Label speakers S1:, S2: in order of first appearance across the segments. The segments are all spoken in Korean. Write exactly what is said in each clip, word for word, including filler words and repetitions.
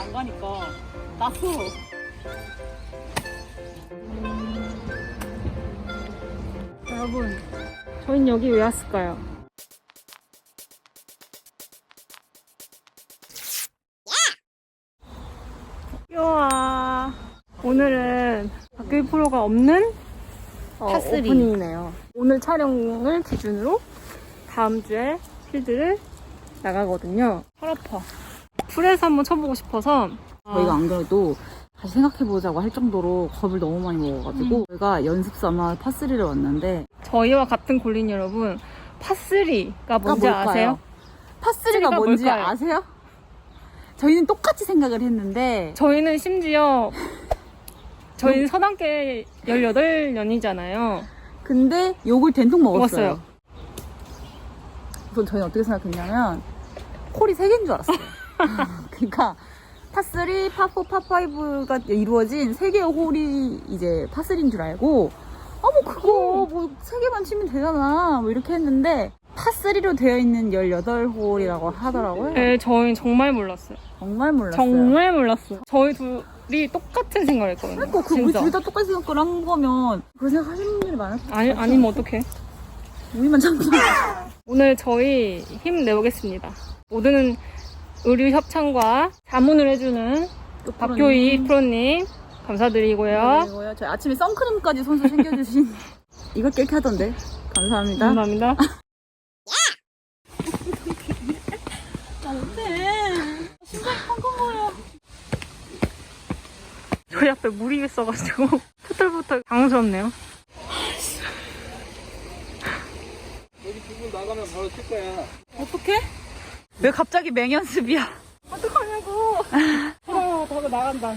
S1: 안 가니까 낯서.
S2: 여러분, 저희는 여기 왜 왔을까요? 와, 오늘은 박규희 프로가 없는 어,
S1: 파쓰리.
S2: 오프닝이네요. 오늘 촬영을 기준으로 다음 주에 필드를 나가거든요. 팔 아파. 풀에서 한번 쳐보고 싶어서.
S1: 저희가 안 그래도 다시 생각해보자고 할 정도로 겁을 너무 많이 먹어가지고
S2: 음.
S1: 저희가 연습 삼아 파쓰리를 왔는데
S2: 저희와 같은 골린 여러분, 파쓰리가 뭔지
S1: 뭘까요?
S2: 아세요?
S1: 파쓰리가 뭔지
S2: 뭘까요?
S1: 아세요? 저희는 똑같이 생각을 했는데
S2: 저희는 심지어 저희는 서당계 열여덟 년이잖아요.
S1: 근데 욕을 된통 먹었어요.
S2: 먹었어요.
S1: 우선 저희는 어떻게 생각했냐면 콜이 세 개인 줄 알았어요. 그러니까 파쓰리, 파포, 파파이브가 이루어진 세 개의 홀이 이제 파쓰리인 줄 알고 아 뭐 그거 뭐 세 개만 치면 되잖아 뭐 이렇게 했는데 파쓰리로 되어 있는 열여덟 홀이라고 하더라고요.
S2: 네, 저희는 정말 몰랐어요.
S1: 정말 몰랐어요.
S2: 정말 몰랐어요. 저희 둘이 똑같은 생각을 했거든요.
S1: 그러니까 그 우리
S2: 진짜.
S1: 둘 다 똑같이 생각을 한 거면 그런 생각 하시는 분들이 많았을 것
S2: 아니,
S1: 같아요.
S2: 아니면 어떡해.
S1: 우리만 참고
S2: 오늘 저희 힘내보겠습니다. 모든 의류 협찬과 자문을 해주는 박교희 프로님 감사드리고요.
S1: 그리고요 저희 아침에 선크림까지 손수 챙겨주신 이거 깨끗 하던데 감사합니다.
S2: 감사합니다. 저희 앞에 물이 있어가지고 포털포털 당황스럽네요.
S3: 여기 두 분 나가면 바로 칠 거야.
S1: 어떡해? 왜 갑자기 맹연습이야?
S2: 어떡하냐고. 아, 저거 나간다.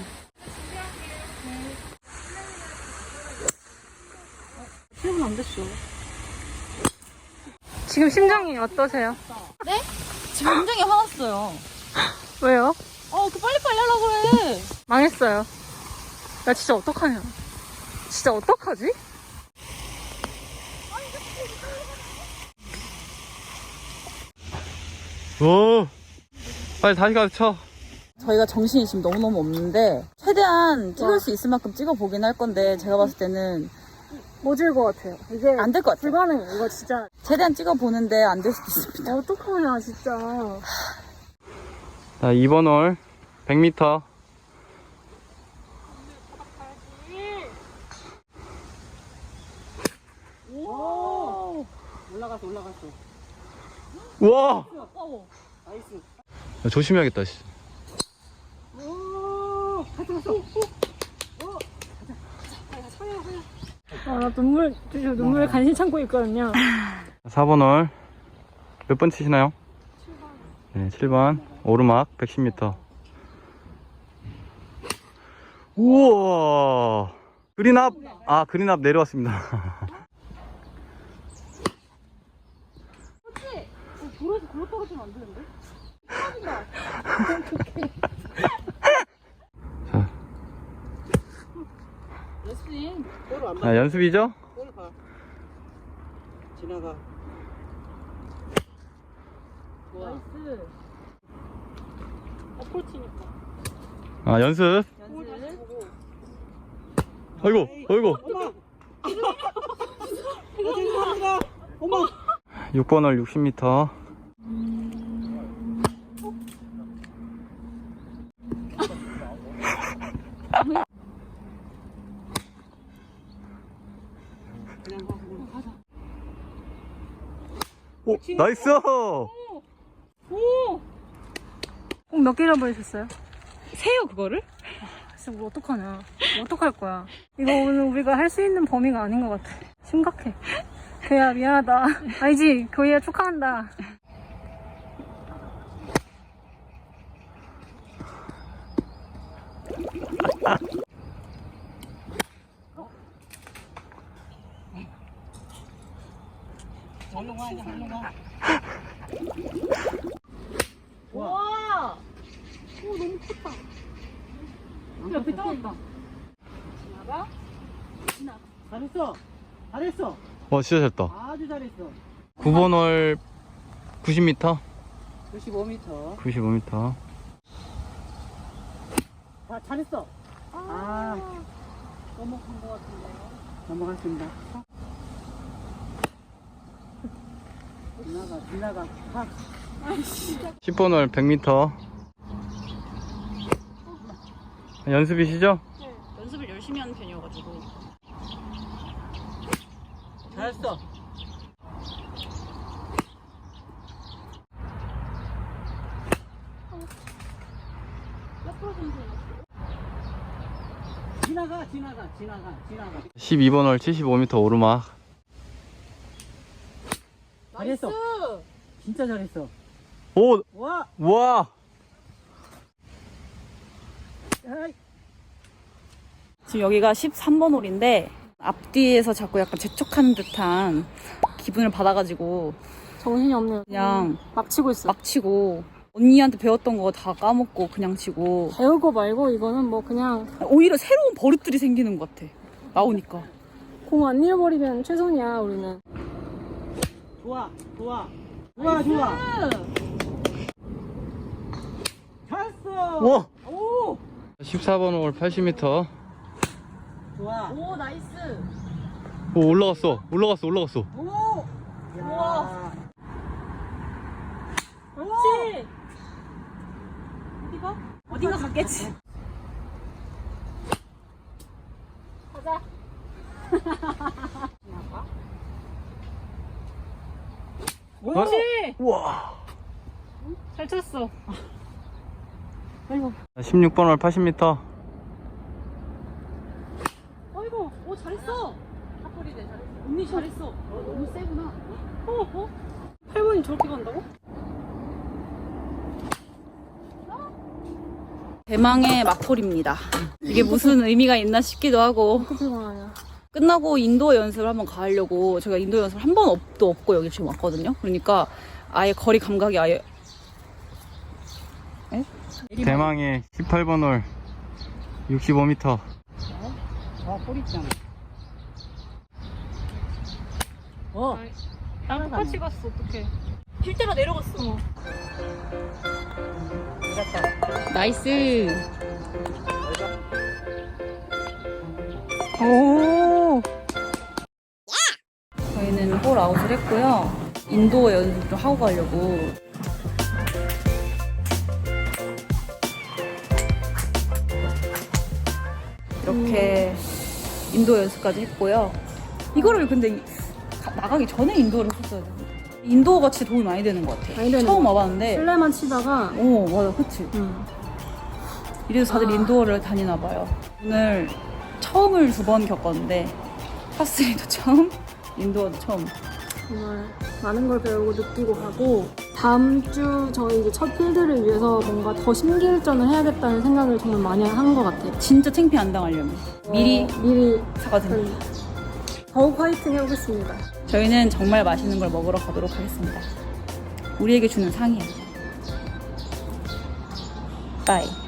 S2: 칠 분 안 됐어. 지금 심정이 어떠세요?
S1: 지금 굉장히 화났어요.
S2: 왜요?
S1: 어, 그 빨리빨리 하려고 그래.
S2: 망했어요. 나 진짜 어떡하냐. 진짜 어떡하지?
S3: 오, 빨리 다시 가서 쳐.
S1: 저희가 정신이 지금 너무너무 없는데 최대한 찍을 수 있을 만큼 찍어보긴 할 건데 제가 봤을 때는
S2: 못질 것 같아요. 이게
S1: 안 될 것 같아요.
S2: 불가능해. 이거 진짜.
S1: 최대한 찍어보는데 안 될 수도 있습니다.
S2: 어떡하냐, 진짜.
S3: 자, 이 번 홀 백 미터.
S1: 오! 올라갔어, 올라갔어.
S3: 우와!
S1: 어, 나이스.
S3: 야, 조심해야겠다, 씨.
S1: 오! 가져갔어.
S2: 아, 나 눈물, 저 눈물 간신히 참고 있거든요.
S3: 사 번 홀. 몇 번 치시나요? 칠 번. 네, 칠 번. 오르막 백십 미터. 우와! 그린 앞! 아, 그린 앞 내려왔습니다.
S1: 돌에서 글로 떨어지면 안 되는데?
S3: 자,
S1: 레슬링.
S3: 자, 연습이죠?
S1: 골 가. 지나가. 나이스.
S2: 어프로치니까.
S3: 아, 연습.
S1: 연습.
S3: 아이고, 아이고.
S1: 어머. 죄송합니다. 어머.
S3: 육 번 홀 육십 미터. 오, 나이스!
S2: 오! 꼭 몇 개나 보내셨어요?
S1: 세요 그거를?
S2: 진짜 뭐 어떡하냐. 뭐 어떡할 거야. 이거 오늘 우리가 할 수 있는 범위가 아닌 것 같아. 심각해. 교야 미안하다. 알지? 교야 축하한다.
S1: 절로 가, 이제 절로 가.
S2: 와! 오, 너무 컸다. 옆에 떨어졌다. 지나가? 지나가.
S1: 잘했어. 잘했어.
S3: 와, 진짜 잘했다.
S1: 아주 잘했어.
S3: 구 번 홀 구십 미터.
S1: 구십오 미터.
S3: 구십오 미터.
S4: 자, 잘했어. 아,
S2: 넘어간 것 같은데요.
S4: 넘어갔습니다. 지나가, 지나가. 팍.
S3: 십 번 홀 백 미터. 연습이시죠?
S1: 연습을 열심히 하는 편이어가지고.
S4: 잘했어. 지나가, 지나가, 지나가, 지나가.
S3: 십이 번 홀 칠십오 미터 오르막.
S4: 잘했어. 진짜 잘했어.
S3: 오!
S4: 와!
S3: 와!
S4: 아이.
S1: 지금 여기가 십삼 번 홀인데 앞뒤에서 자꾸 약간 재촉하는 듯한 기분을 받아가지고
S2: 정신이 없네요.
S1: 그냥
S2: 막 치고 있어.
S1: 막 치고 언니한테 배웠던 거 다 까먹고 그냥 치고
S2: 배우고 말고 이거는 뭐 그냥
S1: 오히려 새로운 버릇들이 생기는 것 같아. 나오니까.
S2: 공 안 잃어버리면 최선이야 우리는.
S4: 좋아, 좋아. 좋아, 좋아. 잘했어.
S3: 와!
S4: 오!
S3: 십사 번 홀 팔십 미터.
S4: 좋아.
S1: 오 나이스.
S3: 오, 올라갔어. 올라갔어. 올라갔어.
S4: 오!
S1: 우와.
S4: 그렇지.
S1: 어디가? 어딘가 갔겠지.
S2: 가자.
S4: 그렇지.
S3: 우와.
S2: 잘 쳤어.
S4: 아이고.
S3: 십육 번 홀 팔십 미터.
S1: 어이구, 오 잘했어. 탑볼이네 잘했어. 언니 잘했어. 어, 너무 세구나. 어, 어?
S2: 팔 번이 저렇게 간다고?
S1: 대망의 막홀입니다. 이게 무슨 의미가 있나 싶기도 하고
S2: 어떻게 피곤하냐.
S1: 끝나고 인도어 연습을 한번 가려고 제가 인도어 연습을 한 번 없도 없고 여기 지금 왔거든요. 그러니까 아예 거리 감각이 아예 에?
S3: 대망의 십팔 번 홀 육십오 미터.
S4: 아, 꼬리 있잖아. 어.
S2: 나 똑같이 갔어. 어떡해.
S1: 필대로 내려갔어.
S2: 어.
S1: 나이스.
S2: 오.
S1: 저희는 홀 아웃을 했고요. 인도어 연습 좀 하고 가려고. 이렇게 인도어 연습까지 했고요. 이거를 근데 가- 나가기 전에 인도어를 했었어야 되는데. 인도어가 진짜 도움이 많이 되는 것 같아.
S2: 많이 되는
S1: 처음
S2: 것
S1: 와봤는데.
S2: 실내만 치다가
S1: 오, 맞아, 그치?
S2: 응.
S1: 이래서 다들
S2: 아.
S1: 인도어를 다니나 봐요. 오늘 처음을 두 번 겪었는데 파스리도 처음, 인도어도 처음.
S2: 정말 많은 걸 배우고 느끼고 가고 다음 주 저희 이제 첫 필드를 위해서 뭔가 더 심기일전을 해야겠다는 생각을 정말 많이 한 것 같아요.
S1: 진짜 창피 안 당하려면 미리
S2: 어, 미리
S1: 사과드립니다.
S2: 더욱 화이팅 해보겠습니다.
S1: 저희는 정말 맛있는 걸 먹으러 가도록 하겠습니다. 우리에게 주는 상이야. 빠이.